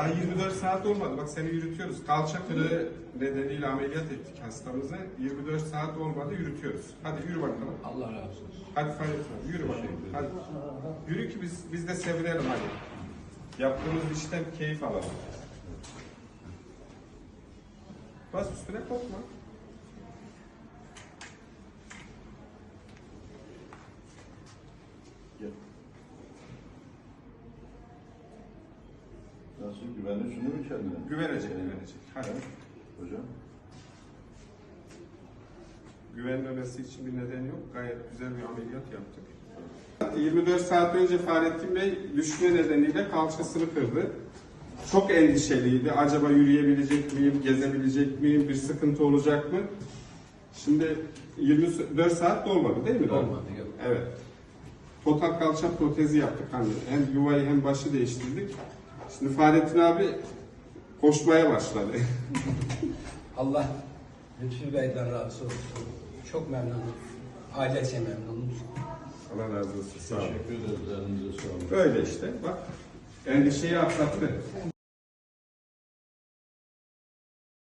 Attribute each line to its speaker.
Speaker 1: Daha 24 saat olmadı. Bak seni yürütüyoruz. Kalça kırığı nedeniyle ameliyat ettik hastamızı. 24 saat olmadı yürütüyoruz. Hadi yürü bakalım.
Speaker 2: Allah razı olsun.
Speaker 1: Hadi Fahrettin abi, yürü bakalım. Hadi. Yürü ki biz de sevinelim hadi. Yaptığımız işten keyif alalım. Bas üstüne korkma.
Speaker 3: Gel. Nasıl güvenli şunu mu kendine?
Speaker 1: Güvenecek. Hadi.
Speaker 3: Hocam.
Speaker 1: Güvenmemesi için bir neden yok. Gayet güzel bir ameliyat yaptık. 24 saat önce Fahrettin Bey düşme nedeniyle kalçasını kırdı. Çok endişeliydi. Acaba yürüyebilecek miyim, gezebilecek miyim, bir sıkıntı olacak mı? Şimdi 24 saat dolmadı değil mi?
Speaker 2: Olmadı, yok.
Speaker 1: Evet. Total kalça protezi yaptık. Hani hem yuvayı hem başı değiştirdik. Şimdi Fahrettin abi koşmaya başladı.
Speaker 2: Allah Lütfü Bey'den razı olsun. Çok memnunum. Ailece memnunum.
Speaker 1: Allah razı olsun. Sağ olun.
Speaker 3: Teşekkür ederiz. Elinize sağlık.
Speaker 1: Böyle işte bak. Endişeyi atlattı.